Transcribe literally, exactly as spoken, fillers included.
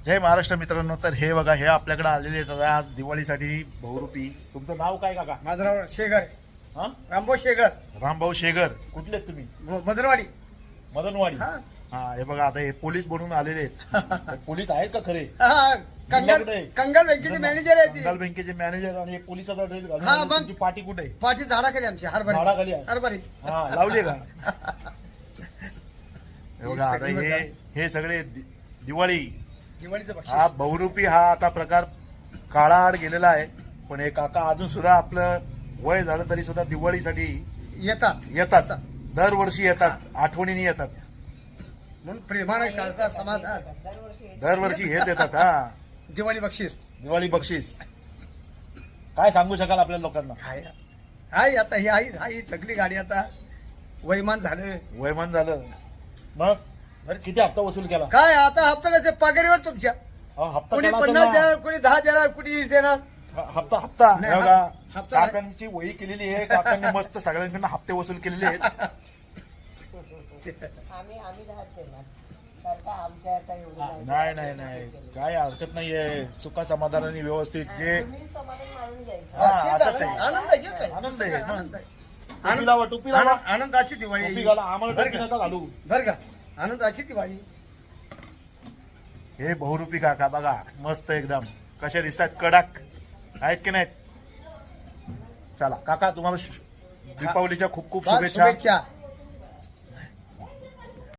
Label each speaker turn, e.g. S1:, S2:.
S1: जय महाराष्ट्र मित्रांनो. तर हे बघा, हे आपल्याकडे आलेले आहेत आज दिवाळीसाठी बहुरूपी. तुमचं नाव काय काका?
S2: माझं नाव शेगर,
S1: हा,
S2: रामभाऊ शेगर,
S1: रामभाऊ शेगर. कुठले आहेत तुम्ही?
S2: म- मदनवाडी.
S1: मदनवाडी.
S2: हा.
S1: हा, हे बघा, आता हे पोलीस बनून आलेले आहेत. तर पोलीस आहेत का खरे?
S2: हा, कंगल
S1: कुठे आहे?
S2: कंगल बँकेचे मॅनेजर आहे
S1: कंगाल
S2: ती.
S1: बँकेचे मॅनेजर आणि हे पोलिसाचा ड्रेस घालून
S2: हा,
S1: आले.
S2: मग.
S1: तुमची पार्टी कुठे आहे?
S2: पाठी झाडाखाली आमची हरभरे
S1: झाडाखाली आहे.
S2: हरभरे.
S1: हा, लावली का? हे बघा, आता
S2: सगळी
S1: हे
S2: बघा.
S1: हे सगळे दि- दिवाळी
S2: दिवाळीचं बक्षीस.
S1: हा बहुरूपी हा आता प्रकार काळाआड गेलेला आहे. पण हे काका अजून सुद्धा आपलं वय झालं तरी सुद्धा दिवाळीसाठी
S2: येतात
S1: येतात. दरवर्षी येतात, आठवणीने येतात.
S2: म्हणून प्रेमाने करतात समाधान.
S1: दरवर्षी हेच येतात. हा,
S2: दिवाळी बक्षीस
S1: दिवाळी बक्षीस. काय सांगू शकाल आपल्या लोकांना?
S2: हाय हाय आता ही आई हाय सगळी गाडी आता वैमान झालं.
S1: वयमान झालं मग बरं, किती हप्ता वसूल केला?
S2: काय आता हप्ता कसं पगारीवर तुमच्या.
S1: हा, हप्ता
S2: कोणी
S1: केला असेल
S2: पन्नास
S1: ना?
S2: देणार, कोणी दहा देणार, कोणी वीस देणार.
S1: ह- हप्ता हप्ता
S2: नाही,
S1: हे बघा,
S2: हप- हप्ता नाही.
S1: काकांची वही केलेली आहे. काकांनी मस्त सगळ्यांकडनं हप्ते वसूल केलेले आहेत.
S3: आम्ही आम्ही राहत देणार कारण का आमच्या आता एवढं नाही.
S1: नाही नाही नाही, काय हरकत नाहीये. सुखा समाधानाने व्यवस्थित जे
S3: तुम्ही समाधान मानून घ्यायचं.
S1: हा,
S2: हेच
S1: असंच आहे.
S2: आनंद आहे, हे काय?
S1: आनंद आहे.
S2: आनंद आहे.
S1: टोपी लावा, टोपी लावा.
S2: आनंद- आनंदाची दिवाळी.
S1: टोपी घाला, आम्हाला
S2: बरं
S1: टोपी
S2: का?
S1: नका घालू.
S2: बरं का, आनंदाची दिवाळी.
S1: हे बहुरूपी काका बघा, मस्त एकदम कसे दिसतात, कडक आहेत की नाहीत? चला काका, तुम्हाला शु- दीपावलीच्या खूप खूप
S2: फार
S1: शुभेच्छा.
S2: शुभेच्छा.